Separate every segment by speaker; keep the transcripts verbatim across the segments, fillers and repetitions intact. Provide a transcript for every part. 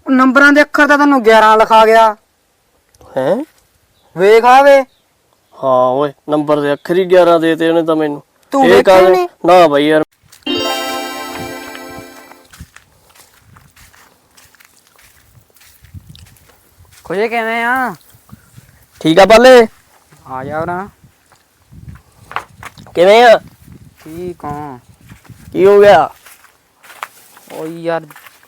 Speaker 1: ਨੰਬਰਾਂ ਦੇ ਅੱਖਰ ਤਾਂ ਤੈਨੂੰ ਗਿਆਰਾਂ ਲਿਖਾ ਗਿਆ
Speaker 2: ਹੈ।
Speaker 1: ਵੇਖ ਆਵੇ।
Speaker 2: ਹਾਂ ਓਏ ਨੰਬਰ ਦੇ ਅੱਖਰ ਹੀ ਗਿਆਰਾਂ ਦੇ ਤੇ ਉਹਨੇ ਤਾਂ ਮੈਨੂੰ।
Speaker 1: ਤੂੰ ਵੇਖਿਆ ਨੀ?
Speaker 2: ਨਾ ਬਾਈ ਯਾਰ
Speaker 1: ਖੁਸ਼ੇ ਕਿਵੇਂ ਆ?
Speaker 2: ਠੀਕ ਆ ਪਾਲੇ।
Speaker 1: ਆ ਜਾ ਨਾ।
Speaker 2: ਕਿਵੇਂ ਆ?
Speaker 1: ਠੀਕ ਆ।
Speaker 2: ਕੀ ਹੋ ਗਿਆ?
Speaker 1: ਓ ਯਾਰ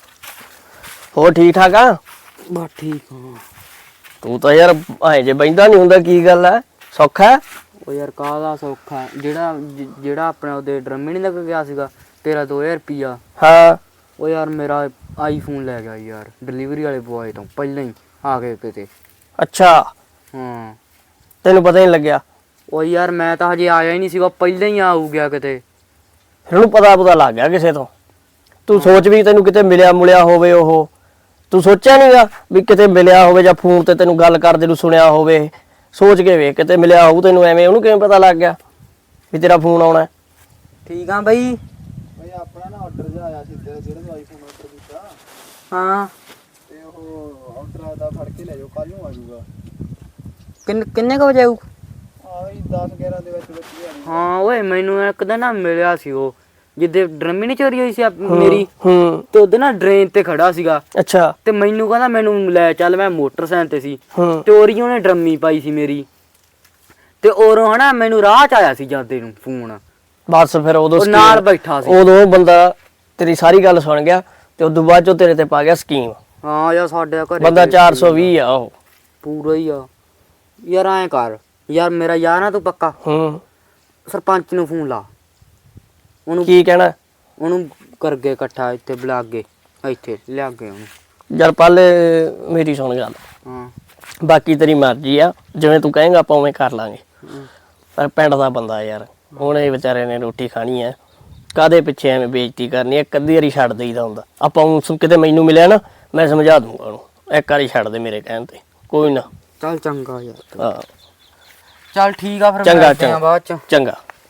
Speaker 2: ਹੋਰ ਠੀਕ ਠਾਕ ਆ?
Speaker 1: ਬਸ ਠੀਕ ਆ।
Speaker 2: ਤੂੰ ਤਾਂ ਯਾਰ ਐ ਜੇ ਬੈਂਦਾ ਨਹੀਂ ਹੁੰਦਾ, ਕੀ ਗੱਲ ਐ? ਸੌਖਾ?
Speaker 1: ਓ ਯਾਰ ਕਾਹਦਾ ਸੌਖਾ, ਜਿਹੜਾ ਜਿਹੜਾ ਆਪਣੇ ਉਹਦੇ ਡਰਮੇ ਨਹੀਂ ਲੱਗ ਗਿਆ ਸੀਗਾ ਤੇਰਾ ਦੋ ਹਜ਼ਾਰ ਰੁਪਈਆ।
Speaker 2: ਹਾਂ।
Speaker 1: ਓ ਯਾਰ ਮੇਰਾ ਆਈਫੋਨ ਲੈ ਗਿਆ ਯਾਰ ਡਿਲੀਵਰੀ ਵਾਲੇ ਬੁਆਏ ਤੋਂ ਪਹਿਲਾਂ ਹੀ ਆ ਕੇ ਕਿਤੇ।
Speaker 2: ਅੱਛਾ
Speaker 1: ਹਾਂ
Speaker 2: ਤੈਨੂੰ ਪਤਾ ਨਹੀਂ ਲੱਗਿਆ?
Speaker 1: ਓ ਯਾਰ ਮੈਂ ਤਾਂ ਹਜੇ ਆਇਆ ਹੀ ਨਹੀਂ ਸੀਗਾ, ਪਹਿਲਾਂ ਹੀ ਆਊ ਗਿਆ ਕਿਤੇ।
Speaker 2: ਫਿਰ ਉਹਨੂੰ ਪਤਾ ਪਤਾ ਲੱਗ ਗਿਆ ਕਿਸੇ ਤੋਂ। ਤੂੰ ਸੋਚ ਵੀ ਤੈਨੂੰ ਕਿਤੇ ਮਿਲਿਆ ਮੁਲਿਆ ਹੋਵੇ ਉਹ। ਤੂੰ ਸੋਚਿਆ ਨਹੀਂਗਾ ਵੀ ਕਿਤੇ ਮਿਲਿਆ ਹੋਵੇ ਜਾਂ ਫੋਨ ਤੇ ਤੈਨੂੰ ਗੱਲ ਕਰਦੇ ਨੂੰ ਸੁਣਿਆ ਹੋਵੇ? ਸੋਚ ਕੇ ਵੇਖ ਕਿਤੇ ਮਿਲਿਆ ਹੋਊ ਤੈਨੂੰ, ਐਵੇਂ ਉਹਨੂੰ ਕਿਵੇਂ ਪਤਾ ਲੱਗ ਗਿਆ ਵੀ ਤੇਰਾ ਫੋਨ ਆਉਣਾ?
Speaker 1: ਠੀਕ ਆ ਬਈ।
Speaker 3: ਬਈ ਆਪਣਾ ਨਾ ਆਰਡਰ ਜਿਹਾ ਆਇਆ ਸੀ ਤੇਰਾ, ਜਿਹੜਾ ਤੂੰ ਆਈਫੋਨ ਆਰਡਰ ਕੀਤਾ।
Speaker 1: ਹਾਂ
Speaker 3: ਤੇ ਉਹ ਆਰਡਰ ਦਾ ਫੜ ਕੇ ਲੈ ਜਾਓ, ਕੱਲ ਨੂੰ ਆ ਜਾਊਗਾ।
Speaker 1: ਕਿੰਨ ਕਿੰਨੇ ਕੁ ਵਜੇ ਆਊ?
Speaker 3: ਆ ਵੀ ਦਸ ਗਿਆਰਾਂ ਦੇ ਵਿੱਚ ਵਿੱਚ ਹੀ ਆ ਜਾਊਗਾ।
Speaker 1: ਹਾਂ ਓਏ ਮੈਨੂੰ ਇੱਕ ਦਿਨ ਨਾ ਮਿਲਿਆ ਸੀ ਉਹ, ਜਿੱਦੇ ਡਰਮੀ ਨਹੀਂ ਚੋਰੀ ਹੋਈ ਸੀ ਆਪ- ਮੇਰੀ।
Speaker 2: ਹੂੰ।
Speaker 1: ਤੇ ਉਹਦੇ ਨਾ ਡਰੇਨ ਤੇ ਖੜਾ ਸੀਗਾ
Speaker 2: ਅੱਛਾ।
Speaker 1: ਤੇ ਮੈਨੂੰ ਕਹਿੰਦਾ ਮੈਨੂੰ ਲੈ ਚੱਲ, ਮੈਂ ਮੋਟਰਸਾਈਕਲ ਤੇ ਸੀ
Speaker 2: ਹੂੰ।
Speaker 1: ਤੇ ਉਹਦੀ ਉਹਨੇ ਡਰਮੀ ਪਾਈ ਸੀ ਮੇਰੀ। ਤੇ ਉਰੋਂ ਹਨਾ ਮੈਨੂੰ ਰਾਹ ਚ ਆਇਆ ਸੀ ਜਾਂਦੇ ਨੂੰ ਫੋਨ,
Speaker 2: ਬਸ ਫਿਰ ਉਦੋਂ
Speaker 1: ਉਹ ਨਾਲ ਬੈਠਾ ਸੀ।
Speaker 2: ਉਦੋਂ ਉਹ ਬੰਦਾ ਤੇਰੀ ਸਾਰੀ ਗੱਲ ਸੁਣ ਗਿਆ ਤੇ ਉਦੋਂ ਬਾਅਦ ਚੋਂ ਤੇਰੇ ਤੇ ਪਾ ਗਿਆ ਸਕੀਮ।
Speaker 1: ਹਾਂ ਯਾਰ ਸਾਡੇ ਘਰੇ
Speaker 2: ਬੰਦਾ ਚਾਰ ਸੌ ਵੀਹ ਆ ਉਹ।
Speaker 1: ਪੂਰਾ ਹੀ ਆ ਯਾਰ। ਐਂ ਕਰ ਯਾਰ, ਮੇਰਾ ਯਾਰ ਨਾ ਤੂੰ ਪੱਕਾ
Speaker 2: ਹੂੰ।
Speaker 1: ਸਰਪੰਚ ਨੂੰ ਫੋਨ ਲਾ, ਉਹਨੂੰ
Speaker 2: ਕੀ ਕਹਿਣਾ?
Speaker 1: ਉਹਨੂੰ ਕਰਗੇ ਇਕੱਠਾ ਇੱਥੇ ਬੁਲਾ ਕੇ ਇੱਥੇ ਲਿਆ ਕੇ ਉਹਨੂੰ।
Speaker 2: ਯਾਰ ਪਾਲੇ ਮੇਰੀ ਸੁਣ ਗੱਲ,
Speaker 1: ਹਾਂ
Speaker 2: ਬਾਕੀ ਤੇਰੀ ਮਰਜ਼ੀ ਆ, ਜਿਵੇਂ ਤੂੰ ਕਹੇਂਗਾ ਆਪਾਂ ਉਵੇਂ ਕਰ ਲਾਂਗੇ। ਪਰ ਪਿੰਡ ਦਾ ਬੰਦਾ ਯਾਰ, ਉਹਨੇ ਵਿਚਾਰੇ ਨੇ ਰੋਟੀ ਖਾਣੀ ਐ, ਕਾਹਦੇ ਪਿੱਛੇ ਐਵੇਂ ਬੇਇੱਜ਼ਤੀ ਕਰਨੀ ਐ? ਇੱਕ ਅੱਧੀ ਵਾਰੀ ਛੱਡ ਦੇਈਦਾ ਹੁੰਦਾ ਆਪਾਂ। ਉਹ ਕਿਤੇ ਮੈਨੂੰ ਮਿਲਿਆ ਨਾ, ਮੈਂ ਸਮਝਾ ਦੂੰਗਾ ਉਹਨੂੰ, ਇੱਕ ਵਾਰੀ ਛੱਡ ਦੇ ਮੇਰੇ ਕਹਿਣ ਤੇ, ਕੋਈ ਨਾ।
Speaker 1: ਚੱਲ ਚੰਗਾ ਯਾਰ।
Speaker 2: ਹਾਂ
Speaker 1: ਚੱਲ ਠੀਕ ਆ ਫਿਰ,
Speaker 2: ਚੰਗਾ
Speaker 1: ਮਿਲਦੇ ਆਂ ਬਾਅਦ ਚ।
Speaker 2: ਚੰਗਾ।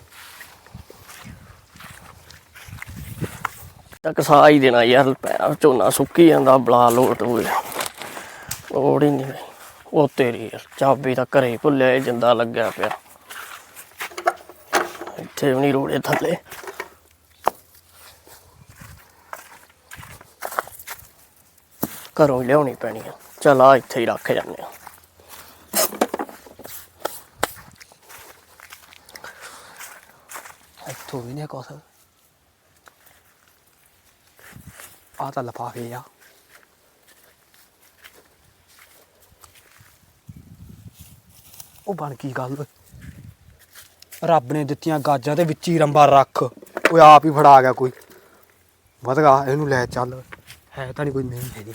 Speaker 2: ਤੱਕ ਸਾਹ ਹੀ ਦੇਣਾ ਯਾਰ, ਪੈਰਾਂ ਝੋਨਾ ਸੁੱਕੀ ਜਾਂਦਾ, ਬਲਾ ਲੋਟ ਹੋਏ ਲੋੜ ਹੀ ਨਹੀਂ। ਉਹ ਤੇਰੀ ਯਾਰ ਚਾਬੀ ਤਾਂ ਘਰੇ ਹੀ ਭੁੱਲਿਆ, ਜਿੰਦਾ ਲੱਗਿਆ ਪਿਆ ਇੱਥੇ ਵੀ ਨਹੀਂ ਰੋੜੇ ਥੱਲੇ। ਘਰੋਂ ਲਿਆਉਣੀ ਪੈਣੀ ਆ। ਚੱਲ ਆ ਇੱਥੇ ਹੀ ਰੱਖ ਜਾਂਦੇ ਆ।
Speaker 1: ਇੱਥੋਂ ਵੀ ਨਹੀਂ ਕੁਛ। ਆ ਤਾਂ ਲਿਫਾਫੇ ਆ। ਉਹ ਬਣ ਕੀ ਗੱਲ, ਰੱਬ ਨੇ ਦਿੱਤੀਆਂ ਗਾਜਾਂ ਦੇ ਵਿੱਚ ਹੀ ਰੰਬਾ ਰੱਖ। ਉਹ ਆਪ ਹੀ ਫੜਾ ਗਿਆ ਕੋਈ। ਵਧਗਾ ਇਹਨੂੰ ਲੈ ਚੱਲ, ਹੈ ਤਾਂ ਨਹੀਂ ਕੋਈ, ਨਹੀਂ ਹੈਗੀ।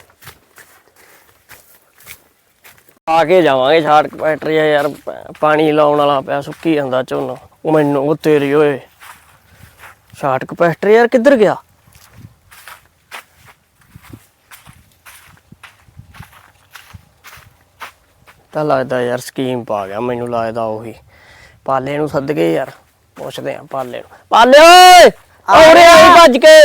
Speaker 2: ਆ ਕੇ ਜਾਵਾਂਗੇ ਛਾੜਕ ਫੈਕਟਰੀ ਆ ਯਾਰ, ਪਾਣੀ ਲਾਉਣ ਵਾਲਾ ਪਿਆ, ਸੁੱਕੀ ਜਾਂਦਾ ਝੋਨਾ। ਉਹ ਮੈਨੂੰ ਉਹ ਤੇਰੀ ਓਏ ਛਾੜਕ ਫੈਕਟਰੀ ਯਾਰ ਕਿੱਧਰ ਗਿਆ? ਤਾਂ ਲੱਗਦਾ ਯਾਰ ਸਕੀਮ ਪਾ ਗਿਆ, ਮੈਨੂੰ ਲੱਗਦਾ ਉਹੀ। ਪਾਲੇ ਨੂੰ ਸੱਦ ਕੇ ਯਾਰ ਪੁੱਛਦੇ ਆ ਪਾਲੇ ਨੂੰ। ਪਾਲੇ ਓਏ ਔਰੇ ਆਈ ਭੱਜ ਕੇ।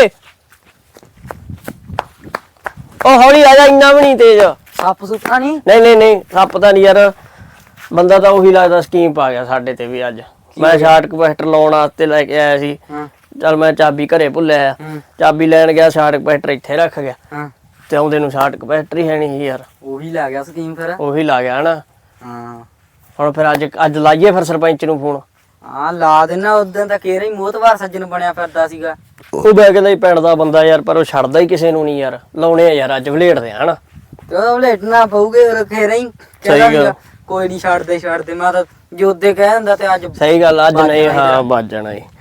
Speaker 2: ਉਹ ਹੌਲੀ ਆ ਜਾ, ਇੰਨਾ ਵੀ ਨਹੀਂ ਤੇਜ਼।
Speaker 1: ਸੱਪ ਸੁੱਪਾ ਨਹੀਂ?
Speaker 2: ਨਹੀਂ ਨਹੀਂ ਨਹੀਂ ਸੱਪ ਤਾਂ ਨਹੀਂ ਯਾਰ, ਬੰਦਾ ਤਾਂ ਉਹੀ ਲੱਗਦਾ ਸਕੀਮ ਪਾ ਗਿਆ ਸਾਡੇ ਤੇ ਵੀ ਅੱਜ। ਮੈਂ ਸ਼ਾਰਟ ਕਪੈਸਟਰ ਲਾਉਣ ਵਾਸਤੇ ਲੈ ਕੇ ਆਇਆ ਸੀ। ਚੱਲ ਮੈਂ ਚਾਬੀ ਘਰੇ ਭੁੱਲਿਆ, ਚਾਬੀ ਲੈਣ ਗਿਆ, ਸ਼ਾਰਟ ਕਪੈਸਟਰ ਇੱਥੇ ਰੱਖ ਗਿਆ ਤੇ ਆਉਂਦੇ ਨੂੰ ਸ਼ਾਰਟ ਕਪੈਸਟਰ ਹੀ ਹੈ ਨਹੀਂ ਯਾਰ।
Speaker 1: ਉਹੀ ਲੈ ਗਿਆ ਸਕੀਮ ਫਿਰ।
Speaker 2: ਉਹੀ ਲਾ ਗਿਆ ਨਾ।
Speaker 1: ਹਾਂ
Speaker 2: ਹੁਣ ਫਿਰ ਅੱਜ ਅੱਜ ਲਾਈਏ ਫਿਰ ਸਰਪੰਚ ਨੂੰ ਫੋਨ।
Speaker 1: ਹਾਂ ਲਾ ਦੇਣਾ। ਉਦੋਂ ਤਾਂ ਕੇਰਾ ਹੀ ਮੋਹਤਵਾਰ ਸੱਜਣ ਬਣਿਆ ਫਿਰਦਾ ਸੀਗਾ।
Speaker 2: ਉਹ ਬੈ ਕਹਿੰਦਾ ਹੀ ਪਿੰਡ ਦਾ ਬੰਦਾ ਯਾਰ, ਪਰ ਉਹ ਛੱਡਦਾ ਹੀ ਕਿਸੇ ਨੂੰ ਨਹੀਂ ਯਾਰ। ਲਾਉਣੇ ਆ ਯਾਰ, ਅੱਜ ਵਲੇਟਦੇ ਆ ਹਨਾ।
Speaker 1: ਤੇ ਉਹ ਵਲੇਟਣਾ ਪਊਗੇ ਖੇਰਾ ਹੀ।
Speaker 2: ਸਹੀ
Speaker 1: ਕੋਈ ਨਹੀਂ ਛੱਡਦੇ ਛੱਡਦੇ, ਮੈਂ ਤਾਂ ਜੋਦੇ ਕਹਿ ਦਿੰਦਾ ਤੇ ਅੱਜ।
Speaker 2: ਸਹੀ ਗੱਲ, ਅੱਜ ਨਹੀਂ। ਹਾਂ ਵੱਜ ਜਾਣਾ ਜੀ।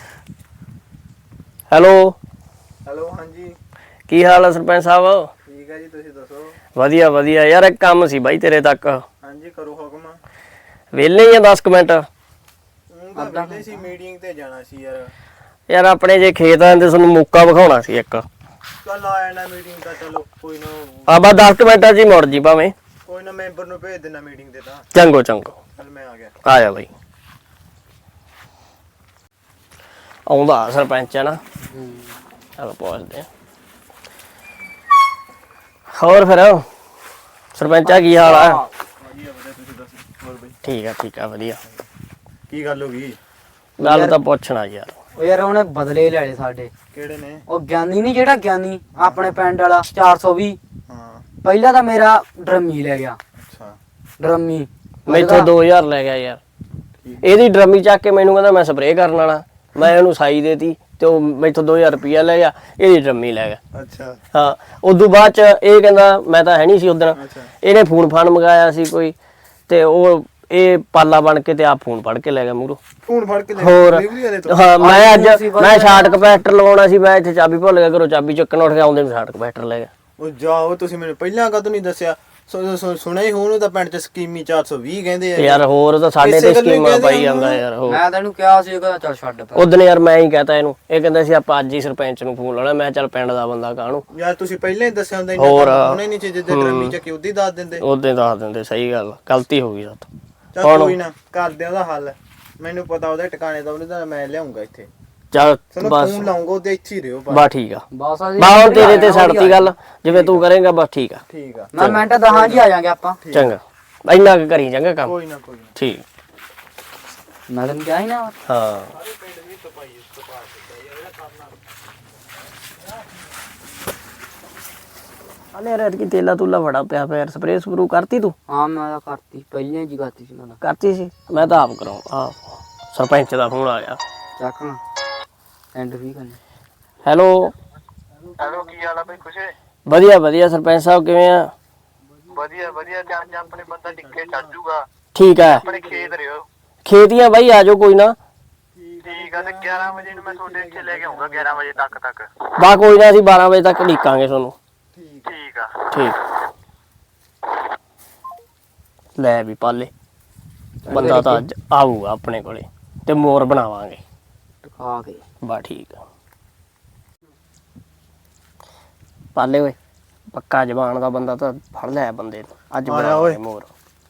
Speaker 2: ਹੈਲੋ
Speaker 3: ਹੈਲੋ ਹਾਂਜੀ,
Speaker 2: ਕੀ ਹਾਲ ਹੈ ਸਰਪੰਚ ਸਾਹਿਬ?
Speaker 3: ਠੀਕ ਹੈ ਜੀ, ਤੁਸੀਂ ਦੱਸੋ?
Speaker 2: ਵਧੀਆ ਵਧੀਆ ਯਾਰ, ਇੱਕ ਕੰਮ ਸੀ ਬਾਈ ਤੇਰੇ ਤੱਕ।
Speaker 3: ਹਾਂਜੀ ਕਰੋ ਹੁਕਮ।
Speaker 2: ਵਿਹਲੇ ਹੀ ਆ ਦਸ ਕੁ ਮਿੰਟ?
Speaker 3: ਉਹ ਤਾਂ ਵਿਹਲੇ ਸੀ, ਮੀਟਿੰਗ ਤੇ ਜਾਣਾ ਸੀ ਯਾਰ।
Speaker 2: ਯਾਰ ਆਪਣੇ ਜੇ ਖੇਤ ਆਂਦੇ ਤੁਹਾਨੂੰ ਮੌਕਾ ਵਿਖਾਉਣਾ ਸੀ ਇੱਕ।
Speaker 3: ਚੱਲ ਆ ਜਾਣਾ ਮੀਟਿੰਗ ਤਾਂ, ਚਲੋ ਕੋਈ ਨਾ।
Speaker 2: ਆ ਬਸ ਦਸ ਕੁ ਮਿੰਟਾਂ 'ਚ ਹੀ ਮੁੜ ਜੀ ਭਾਵੇਂ।
Speaker 3: ਕੋਈ ਨਾ, ਮੈਂਬਰ ਨੂੰ ਭੇਜ ਦੇਣਾ ਮੀਟਿੰਗ ਤੇ ਤਾਂ।
Speaker 2: ਚੰਗੋ ਚੰਗੋ,
Speaker 3: ਚੱਲ ਮੈਂ ਆ ਗਿਆ।
Speaker 2: ਆ ਜਾ ਬਾਈ। ਆਉਂਦਾ ਸਰਪੰਚ ਹੈ ਨਾ, ਚਲ ਪੁੱਛਦੇ ਆ। ਹੋਰ ਫਿਰ ਸਰਪੰਚਾ ਕੀ ਹਾਲ ਆ?
Speaker 3: ਵਧੀਆ ਵਧੀਆ ਤੁਸੀਂ ਦੱਸੋ ਹੋਰ ਬਈ
Speaker 2: ਠੀਕ ਆ ਠੀਕ ਆ ਵਧੀਆ।
Speaker 3: ਕੀ ਗੱਲ ਹੋ ਗਈ?
Speaker 2: ਗੱਲ ਤਾਂ ਪੁੱਛਣਾ ਯਾਰ।
Speaker 4: ਉਹ ਯਾਰ ਉਹਨੇ ਬਦਲੇ ਲੈ ਲਏ ਸਾਡੇ।
Speaker 3: ਕਿਹੜੇ ਨੇ?
Speaker 4: ਉਹ ਗਿਆਨੀ ਨਹੀਂ ਜਿਹੜਾ ਗਿਆਨੀ ਆਪਣੇ ਪਿੰਡ ਵਾਲਾ ਚਾਰ ਸੌ ਵੀਹ।
Speaker 3: ਹਾਂ
Speaker 4: ਪਹਿਲਾਂ ਤਾਂ ਮੇਰਾ ਡਰਮੀ ਲੈ ਗਿਆ।
Speaker 3: ਅੱਛਾ
Speaker 4: ਡਰਮੀ
Speaker 2: ਮੈਥੋਂ ਦੋ ਹਜ਼ਾਰ ਲੈ ਗਿਆ ਯਾਰ। ਇਹਦੀ ਡਰਮੀ ਚੱਕ ਕੇ ਮੈਨੂੰ ਕਹਿੰਦਾ ਮੈਂ ਸਪਰੇਅ ਕਰਨ ਵਾਲਾ, ਮੈਂ ਉਹਨੂੰ ਸਾਈ ਦੇਤੀ ਤੇ ਉਹ ਮੈਥੋਂ ਦੋ ਹਜ਼ਾਰ ਰੁਪਇਆ ਲੈ ਗਿਆ, ਇਹਦੀ ਡਰਮੀ ਲੈ ਗਿਆ।
Speaker 3: ਅੱਛਾ
Speaker 2: ਹਾਂ ਉਦੋਂ ਬਾਅਦ ਚ ਇਹ ਕਹਿੰਦਾ ਮੈਂ ਤਾਂ ਹੈ ਨਹੀਂ ਸੀ ਉਦੋਂ,
Speaker 3: ਅੱਛਾ
Speaker 2: ਇਹਨੇ ਫੋਨ ਫਾਨ ਮੰਗਾਇਆ ਸੀ ਕੋਈ ਤੇ ਉਹ ਇਹ ਪਾਲਾ ਬਣ ਕੇ ਤੇ ਆਪ ਫੋਨ ਫੜ ਕੇ ਲੈ ਗਿਆ ਮੂਹਰੋਂ।
Speaker 3: ਫੋਨ ਫੜ ਕੇ ਲੈ
Speaker 2: ਹੋਰ
Speaker 3: ਡਿਲੀਵਰੀ ਵਾਲੇ ਤੋਂ?
Speaker 2: ਹਾਂ ਮੈਂ ਅੱਜ ਮੈਂ ਸ਼ਾਰਟ ਕਪੈਸਟਰ ਲਵਾਉਣਾ ਸੀ, ਮੈਂ ਇੱਥੇ ਚਾਬੀ ਭੁੱਲ ਗਿਆ, ਘਰੋਂ ਚਾਬੀ ਚੱਕਣ ਉੱਠ ਗਿਆ, ਆਉਂਦੇ ਨੂੰ ਸ਼ਾਰਟ ਕਪੈਸਟਰ ਲੈ ਗਿਆ।
Speaker 3: ਉਹ ਜਾਓ ਤੁਸੀਂ ਮੈਨੂੰ ਪਹਿਲਾਂ ਕਦੋਂ ਨਹੀਂ ਦੱਸਿਆ? ਸੁ- ਸੁ- ਸੁਣਿਆ ਹੀ ਹੋਣ ਤਾਂ ਪਿੰਡ ਚ ਸਕੀਮੀ ਚਾਰ ਸੌ ਵੀਹ ਕਹਿੰਦੇ
Speaker 2: ਤੇ
Speaker 3: ਆ
Speaker 2: ਯਾਰ ਹੋਰ ਤਾਂ ਸਾਡੇ
Speaker 3: ਇਸੇ
Speaker 2: ਤੇ
Speaker 3: ਗੱਲੋਂ ਹੀ
Speaker 2: ਸਕੀਮਾਂ
Speaker 3: ਕਹਿੰਦੇ
Speaker 2: ਪਾਈ
Speaker 3: ਆ
Speaker 2: ਜਾਂਦਾ ਯਾਰ। ਹੋਰ
Speaker 4: ਮੈਂ ਤੈਨੂੰ ਕਿਹਾ ਸੀ ਕਹਿੰਦਾ ਚੱਲ ਛੱਡ ਪਾ।
Speaker 2: ਉਦੋਂ ਯਾਰ ਮੈਂ ਹੀ ਕਹਤਾ ਇਹਨੂੰ, ਇਹ ਕਹਿੰਦਾ ਸੀ ਆਪਾਂ ਅੱਜ ਹੀ ਸਰਪੰਚ ਨੂੰ ਫੋਨ ਲਾਉਣਾ, ਮੈਂ ਚੱਲ ਪਿੰਡ ਦਾ ਬੰਦਾ ਕਾਹਨੂੰ
Speaker 3: ਯਾਰ ਤੁਸੀਂ ਪਹਿਲਾਂ ਹੀ ਦੱਸਿਆ ਹੁੰਦਾ
Speaker 2: ਹੋਰ।
Speaker 3: ਉਹਨੇ ਨਹੀਂ ਚੀਜ਼ ਦੇ ਡਰਮੀ ਚ ਕਿ ਉਦੀ ਦੱਸ ਦਿੰਦੇ।
Speaker 2: ਉਦੋਂ ਦੱਸ ਦਿੰਦੇ। ਸਹੀ ਗੱਲ, ਗਲਤੀ ਹੋ ਗਈ ਸਾਥੋਂ।
Speaker 3: ਚੱਲ ਕੋਈ ਨਾ ਕਰਦੇ ਉਹਦਾ ਹੱਲ, ਮੈਨੂੰ ਪਤਾ ਉਹਦੇ ਟਿਕਾਣੇ ਦਾ, ਉਹਨੇ ਤਾਂ ਮੈਂ ਲਿਆਉਂਗਾ ਇੱਥੇ।
Speaker 2: ਚੱਲ
Speaker 3: ਤੁਹਾਨੂੰ
Speaker 2: ਬਸ
Speaker 3: ਫੋਨ ਲਾਉਂਗਾ ਉਹਦੇ ਇੱਥੇ ਹੀ ਰਿਓ।
Speaker 2: ਬਸ ਠੀਕ ਆ,
Speaker 4: ਬਸ ਆ ਜੀ
Speaker 2: ਬਾ ਹੁਣ ਤੇਰੇ ਤੇ ਛੱਡਤੀ ਗੱਲ, ਜਿਵੇਂ ਤੂੰ ਕਰੇਂਗਾ ਬਸ ਠੀਕ ਆ।
Speaker 3: ਠੀਕ ਆ
Speaker 4: ਮੈਂ ਮਿੰਟ ਦਹਾਂ ਜੀ ਆ ਜਾਾਂਗੇ ਆਪਾਂ।
Speaker 2: ਚੰਗਾ ਇੰਨਾ ਕੁ ਕਰੀ ਚੰਗਾ ਕੰਮ।
Speaker 3: ਕੋਈ ਨਾ ਕੋਈ ਨਾ।
Speaker 2: ਠੀਕ
Speaker 4: ਮੈਂ ਤੈਨੂੰ ਕਿਹਾ ਸੀ ਨਾ।
Speaker 2: ਹਾਂ ਅਲੇ ਯਾਰ ਕੀ ਤੇਲਾ ਤੁਲਾ ਬੜਾ ਪਿਆ ਪਿਆ, ਸਪਰੇਅ ਸਪਰੂ ਕਰਤੀ ਤੂੰ?
Speaker 4: ਹਾਂ ਮੈਂ ਤਾਂ ਕਰਤੀ ਪਹਿਲਾਂ ਜੀ ਕਰਤੀ ਸੀ ਮੈਂ ਤਾਂ।
Speaker 2: ਕਰਤੀ ਸੀ, ਮੈਂ ਤਾਂ ਆਪ ਕਰਾਉਂ ਆ ਸਰਪੰਚ ਦਾ ਫੋਨ ਆ ਗਿਆ।
Speaker 4: ਚੱਕ ਨਾ ਐਂਡ ਵੀ ਕਰਨੀ।
Speaker 2: ਹੈਲੋ
Speaker 5: ਹੈਲੋ ਕੀ ਹਾਲ ਆ ਬਈ ਖੁਸ਼ੇ?
Speaker 2: ਵਧੀਆ ਵਧੀਆ ਸਰਪੰਚ ਸਾਹਿਬ ਕਿਵੇਂ ਆ?
Speaker 5: ਵਧੀਆ ਵਧੀਆ ਜਾਂ ਜਾਂ ਆਪਣੇ ਬੰਦਾ ਟਿੱਕੇ ਚੱਜੂਗਾ
Speaker 2: ਠੀਕ ਹੈ,
Speaker 5: ਆਪਣੇ ਖੇਤ ਰਿਓ।
Speaker 2: ਖੇਤੀਆਂ ਬਾਈ ਆ ਜਾਓ ਕੋਈ ਨਾ।
Speaker 5: ਠੀਕ ਆ ਤੇ ਗਿਆਰਾਂ ਵਜੇ ਨੂੰ ਮੈਂ ਤੁਹਾਡੇ ਇੱਥੇ ਲੈ ਕੇ ਆਉਂਗਾ, ਗਿਆਰਾਂ ਵਜੇ ਤੱਕ ਤੱਕ।
Speaker 2: ਬਾ ਕੋਈ ਨਾ ਅਸੀਂ ਬਾਰਾਂ ਵਜੇ ਤੱਕ ਢੀਕਾਂਗੇ ਤੁਹਾਨੂੰ।
Speaker 5: ਠੀਕ ਆ
Speaker 2: ਠੀਕ ਲੈ ਵੀ ਪਾਲੇ ਬੰਦਾ ਤਾਂ ਅੱਜ ਆਊਗਾ ਆਪਣੇ ਕੋਲੇ ਤੇ ਮੋਰ ਬਣਾਵਾਂਗੇ।
Speaker 4: ਟਕਾ ਕੇ
Speaker 2: ਬਾ ਠੀਕ ਆ ਪਾਲੇ ਓਏ, ਪੱਕਾ ਜ਼ਬਾਨ ਦਾ ਬੰਦਾ ਤਾਂ ਫੜ ਲਿਆ ਬੰਦੇ ਨੂੰ, ਅੱਜ
Speaker 3: ਆ ਜਾ
Speaker 2: ਬਣਾਵਾਂਗੇ
Speaker 3: ਓਏ।
Speaker 2: ਮੋਰ।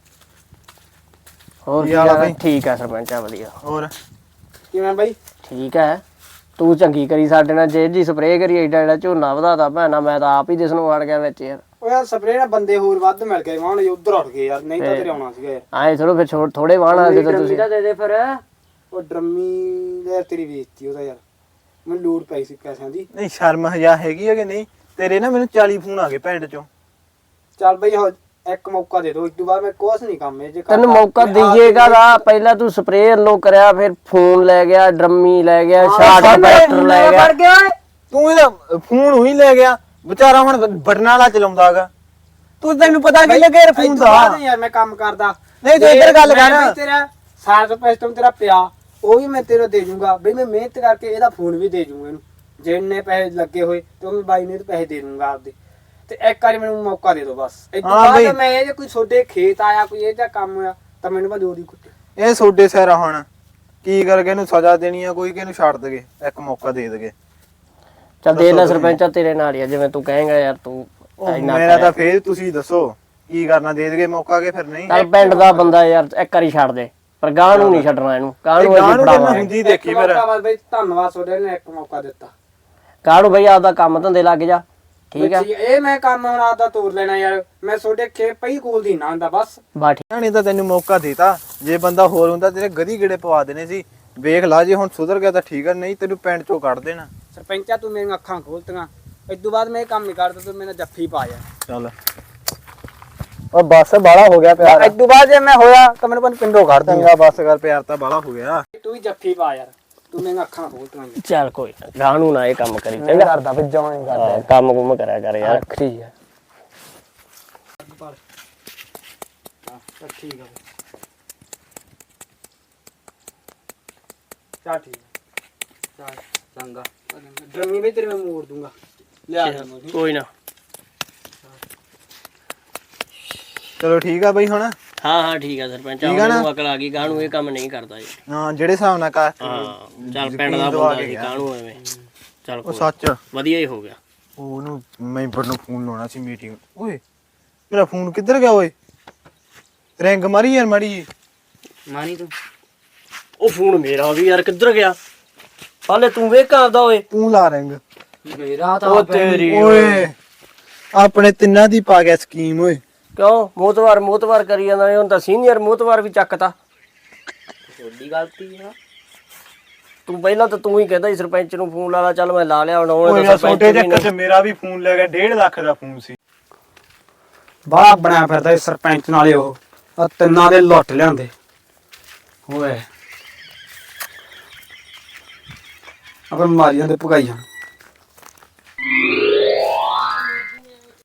Speaker 2: ਹੋਰ
Speaker 3: ਕੀ
Speaker 2: ਕੀ
Speaker 3: ਹਾਲ ਆ
Speaker 2: ਹਾਲ ਆ?
Speaker 3: ਬਈ?
Speaker 2: ਠੀਕ ਆ ਸਰਪੰਚ ਆ ਵਧੀਆ।
Speaker 3: ਹੋਰ
Speaker 4: ਕਿਵੇਂ ਬਾਈ?
Speaker 2: ਠੀਕ ਹੈ, ਤੂੰ ਚੰਗੀ ਕਰੀ ਸਾਡੇ ਨਾਲ, ਜੇ ਜੀ ਸਪਰੇਅ ਕਰੀ ਏਡਾ ਏਡਾ ਝੋਨਾ ਵਧਾਤਾ ਭੈਣਾ, ਮੈਂ ਤਾਂ ਆਪ ਹੀ ਦਿਸ ਨੂੰ ਵੜ ਗਿਆ ਵਿੱਚ ਯਾਰ।
Speaker 1: ਉਹ ਯਾਰ ਸਪਰੇਅ ਨਾਲ ਬੰਦੇ ਹੋਰ ਵੱਧ ਮਿਲ ਗਏ, ਵਾਹਣ ਜੇ ਉਧਰ ਉੱਠ ਗਏ ਯਾਰ, ਨਹੀਂ ਤਾਂ ਤੇਰੇ ਆਉਣਾ ਸੀਗਾ ਯਾਰ।
Speaker 2: ਆਏ ਥੋੜੋ ਫਿਰ ਥੋੜੇ ਵਾਹਣ ਆ ਗਏ ਤਾਂ ਤੁਸੀਂ।
Speaker 4: ਦੇ ਦੇ ਫਿਰ।
Speaker 1: ਉਹ ਡਰਮੀ ਯਾਰ ਤੇਰੀ ਵੇਚਤੀ ਉਹਦਾ ਯਾਰ, ਮੈਨੂੰ ਲੋੜ ਪਈ ਸੀ ਪੈਸਿਆਂ ਦੀ।
Speaker 3: ਨਹੀਂ ਸ਼ਰਮ ਹਜਾ ਹੈਗੀ ਹੈ ਕਿ ਨਹੀਂ ਤੇਰੇ? ਨਾ ਮੈਨੂੰ ਚਾਲੀ ਫੋਨ ਆ ਗਏ ਪਿੰਡ ਚੋਂ।
Speaker 1: ਚੱਲ ਬਈ ਹੁਣ ਇੱਕ ਮੌਕਾ ਦੇ ਦੋ, ਇਸ ਤੋਂ ਬਾਅਦ ਮੈਂ ਕੁਛ ਨਹੀਂ ਕੰਮ ਇਹ ਜੇ ਕਰਦਾ।
Speaker 2: ਤੈਨੂੰ ਮੌਕਾ ਦਈਏਗਾ ਦਾ, ਪਹਿਲਾਂ ਤੂੰ ਸਪਰੇਅ ਲੋ ਕਰਿਆ, ਫਿਰ ਫੋਨ ਲੈ ਗਿਆ, ਡਰਮੀ ਲੈ ਗਿਆ, ਸ਼ਾਰਟ ਪੈਸਟਰ ਲੈ ਗਿਆ।
Speaker 3: ਤੂੰ ਇਹਦਾ ਫੋਨ ਉਹੀ ਲੈ ਗਿਆ ਵਿਚਾਰਾ, ਹੁਣ ਬਟਨਾਂ ਵਾਲਾ ਚਲਾਉਂਦਾਗਾ। ਤੂੰ ਤੈਨੂੰ ਪਤਾ ਕੀ ਲੱਗਿਆ ਯਾਰ ਫੋਨ ਦਾ?
Speaker 1: ਯਾਰ ਮੈਂ ਕੰਮ ਕਰਦਾ
Speaker 3: ਨਹੀਂ ਤੂੰ ਇੱਧਰ ਗੱਲ ਕਰ।
Speaker 1: ਮੈਂ ਬਈ ਤੇਰਾ ਸਾਰਾ ਸਿਸਟਮ ਤੇਰਾ ਪਿਆ, ਉਹ ਵੀ ਮੈਂ ਤੈਨੂੰ ਦੇ ਜੂੰਗਾ ਬਈ, ਮੈਂ ਮਿਹਨਤ ਕਰਕੇ ਇਹਦਾ ਫੋਨ ਵੀ ਦੇ ਜੂੰਗਾ ਇਹਨੂੰ, ਜਿੰਨੇ ਪੈਸੇ ਲੱਗੇ ਹੋਏ ਤੇ ਉਹ ਮੈਂ ਬਾਈ ਨੇ ਪੈਸੇ ਦੇ ਦੂੰਗਾ ਆਪਦੇ। ਤੇ ਇੱਕ ਵਾਰੀ ਮੈਨੂੰ ਮੌਕਾ ਦੇ ਦਿਓ ਬਸ। ਇਸ ਤੋਂ
Speaker 3: ਹਾਂ ਬਈ।
Speaker 1: ਬਾਅਦ ਮੈਂ ਇਹ ਜੇ ਕੋਈ ਤੁਹਾਡੇ ਖੇਤ ਆਇਆ, ਕੋਈ ਇਹ ਜਿਹਾ ਕੰਮ ਹੋਇਆ ਤਾਂ ਮੈਨੂੰ ਬਸ ਉਹਦੀ ਕੁੱਟ।
Speaker 3: ਇਹ ਸੋਡੇ ਸਿਰ ਹੁਣ ਕੀ ਕਰਕੇ ਇਹਨੂੰ ਸਜ਼ਾ ਦੇਣੀ ਆ ਕੋਈ, ਕਿ ਇਹਨੂੰ ਛੱਡ ਦਗੇ, ਇੱਕ ਮੌਕਾ ਦੇ ਦਗੇ।
Speaker 2: ਚੱਲ ਦੇ ਲੈ ਸਰਪੰਚਾ, ਤੇਰੇ ਨਾਲ ਹੀ ਆ, ਜਿਵੇਂ ਤੂੰ ਕਹੇਂਗਾ ਯਾਰ। ਤੂੰ ਇੰਨਾ
Speaker 3: ਮੇਰਾ ਤਾਂ ਫੇਰ ਤੁਸੀਂ ਦੱਸੋ ਕੀ ਕਰਨਾ, ਦੇ ਦਗੇ ਮੌਕਾ ਕੇ ਫਿਰ ਨਹੀਂ?
Speaker 2: ਚੱਲ ਪਿੰਡ ਦਾ ਬੰਦਾ ਯਾਰ, ਇੱਕ ਵਾਰੀ ਛੱਡ ਦੇ, ਪਰ ਗਾਂ ਨੂੰ ਨਹੀਂ ਛੱਡਣਾ ਇਹਨੂੰ, ਗਾਂ ਨੂੰ
Speaker 3: ਗਾਂ
Speaker 2: ਅਸੀਂ
Speaker 3: ਨੂੰ
Speaker 2: ਫੜਾਵਾਂਗੇ।
Speaker 3: ਹੁੰਦੀ ਦੇਖੀ ਫਿਰ।
Speaker 1: ਬਸ ਬਈ ਧੰਨਵਾਦ ਤੁਹਾਡੇ ਨੇ ਇੱਕ ਮੌਕਾ ਦਿੱਤਾ।
Speaker 2: ਗਾਂ ਨੂੰ ਬਈ ਆਪਦਾ ਕੰਮ ਧੰਦੇ ਲੱਗ ਜਾ, ਠੀਕ ਆ?
Speaker 1: ਇਹ ਮੈਂ ਕੰਮ ਹੁਣ ਆਪਦਾ ਤੋਰ ਲੈਣਾ ਯਾਰ, ਮੈਂ ਤੁਹਾਡੇ ਖੇਤ ਪਈ ਕੋਲ ਦੀ ਨਾ ਹੁੰਦਾ ਬਸ।
Speaker 2: ਬਾ ਠੀਕ।
Speaker 3: ਨਹੀਂ ਤਾਂ ਤੈਨੂੰ ਮੌਕਾ ਦੇਤਾ, ਜੇ ਬੰਦਾ ਹੋਰ ਹੁੰਦਾ ਤੇਰੇ ਗਦੀ ਗੇੜੇ ਪਵਾ ਦੇਣੇ ਸੀ। ਵੇਖ ਲਾ, ਜੇ ਹੁਣ ਸੁਧਰ ਗਿਆ ਤਾਂ ਠੀਕ ਆ, ਨਹੀਂ ਤੈਨੂੰ ਪਿੰਡ ਚੋਂ ਕੱਢ ਦੇਣਾ।
Speaker 1: ਸਰਪੰਚਾ ਤੂੰ ਮੇਰੀਆਂ ਅੱਖਾਂ ਖੋਲਤੀਆਂ, ਇਸ ਤੋਂ ਬਾਅਦ ਮੈਂ ਇਹ ਕੰਮ ਨਹੀਂ ਕਰਦਾ, ਤੂੰ ਮੇਰੇ ਜੱਫੀ ਪਾ ਜਾ।
Speaker 3: ਚੱਲ ਉਹ ਬੱਸ ਬਾਲਾ ਹੋ ਗਿਆ ਪਿਆਰ।
Speaker 1: ਇਸ ਤੋਂ ਬਾਅਦ ਜੇ ਮੈਂ ਹੋਇਆ ਤਾਂ ਮੈਨੂੰ ਪਿੰਡੋਂ ਕੱਢ
Speaker 3: ਚੰਗਾ ਬੱਸ ਕਰ, ਪਿਆਰ ਤਾਂ ਬਾਲਾ ਹੋ ਗਿਆ।
Speaker 1: ਤੂੰ ਵੀ ਜੱਫੀ ਪਾ ਯਾਰ, ਤੂੰ ਮੇਰੀਆਂ ਅੱਖਾਂ ਖੋਲਤੀਆਂ।
Speaker 2: ਚੱਲ ਕੋਈ ਨਾ, ਗਾਂ ਨੂੰ ਨਾ ਇਹ ਕੰਮ ਕਰੀ ਚੰਗਾ।
Speaker 1: ਕਰਦਾ ਫਿਰ ਜਮਾਂ ਹੀ
Speaker 2: ਹਾਂ, ਕੰਮ ਕੁਮ ਕਰਿਆ ਕਰ ਯਾਰ।
Speaker 1: ਠੀਕ ਹੈ ਠੀਕ ਹੈ ਚਾ ਠੀਕ ਹੈ ਚਾ ਚੰਗਾ। ਡਰਮੀ ਵੀ ਤੇਰੇ ਮੈਂ ਮੋੜ ਦੂੰਗਾ, ਲਿਆ ਦੇ ਮੈਨੂੰ।
Speaker 2: ਕੋਈ ਨਾ।
Speaker 3: ਚਲੋ ਠੀਕ ਆ ਬਈ ਹੁਣ।
Speaker 2: ਹਾਂ ਹਾਂ ਠੀਕ ਆ ਸਰਪੰਚ, ਮੈਨੂੰ ਅਕਲ ਆ ਗਈ, ਗਾਂ ਨੂੰ ਇਹ ਕੰਮ ਨਹੀਂ ਕਰਦਾ ਜੀ।
Speaker 3: ਹਾਂ ਜਿਹੜੇ ਹਿਸਾਬ ਨਾਲ ਕਰ।
Speaker 2: ਹਾਂ ਚੱਲ ਪਿੰਡ ਦਾ ਬੰਦਾ ਸੀ, ਗਾਂ ਨੂੰ ਐਵੇਂ। ਚੱਲ
Speaker 3: ਉਹ
Speaker 2: ਕੋਈ
Speaker 3: ਸੱਚ
Speaker 2: ਵਧੀਆ ਹੀ ਹੋ ਗਿਆ।
Speaker 3: ਉਹਨੂੰ ਮੈਂਬਰ ਨੂੰ ਫੋਨ ਲਾਉਣਾ ਸੀ ਮੀਟਿੰਗ। ਓਏ ਮੇਰਾ ਫੋਨ ਕਿੱਧਰ ਗਿਆ ਓਏ? ਰਿੰਗ ਮਾਰੀ ਯਾਰ ਮਾੜੀ ਜੀ।
Speaker 4: ਮਾਨੀ ਤੂੰ
Speaker 2: ਉਹ ਫੋਨ ਮੇਰਾ ਵੀ ਯਾਰ ਕਿੱਧਰ ਗਿਆ? ਹਾਲੇ ਤੂੰ ਵੇਖ ਆਪਦਾ ਓਏ।
Speaker 3: ਤੂੰ ਲਾ ਰਿੰਗ।
Speaker 4: ਮੇਰਾ ਤਾਂ
Speaker 2: ਉਹ ਤੇਰੀ
Speaker 3: ਓਏ ਆਪਣੇ ਤਿੰਨਾਂ ਦੀ ਪਾ ਗਿਆ ਸਕੀਮ ਓਏ।
Speaker 2: ਕਿਉਂ ਮੋਤਵਾਰ ਮੋਤਵਾਰ ਕਰੀ ਜਾਂਦਾ ਹੁਣ ਤਾਂ ਸੀਨੀਅਰ ਮੋਤਵਾਰ ਵੀ ਚੱਕਤਾ
Speaker 4: ਤੁਹਾਡੀ ਗਲਤੀ ਆ।
Speaker 2: ਤੂੰ ਪਹਿਲਾਂ ਤਾਂ ਤੂੰ ਹੀ ਕਹਿੰਦਾ ਸੀ ਸਰਪੰਚ ਨੂੰ ਫੋਨ ਲਾ ਲਾ, ਚੱਲ ਮੈਂ ਲਾ ਲਿਆ ਹੁਣ ਉਹਨੇ
Speaker 3: ਓਏ
Speaker 2: ਤਾਂ
Speaker 3: ਯਾਰ
Speaker 2: ਸਰਪੰਚ
Speaker 3: ਛੋਟੇ
Speaker 2: ਵੀ
Speaker 3: ਚੱਕਰ 'ਚ
Speaker 2: ਨਹੀਂ-
Speaker 3: ਮੇਰਾ ਵੀ ਫੋਨ ਲੈ ਗਿਆ, ਡੇਢ ਲੱਖ ਦਾ ਫੋਨ ਸੀ।
Speaker 1: ਬਾਹਲਾ ਬਣਿਆ ਫਿਰਦਾ ਇਹ ਸਰਪੰਚ ਨਾਲੇ ਉਹ ਆ ਤਿੰਨਾਂ ਦੇ ਲੁੱਟ ਲਿਆਂਦੇ ਓਏ। ਆਪਾਂ ਮਾਰੀਆਂ ਦੇ ਭਗਾਈਆਂ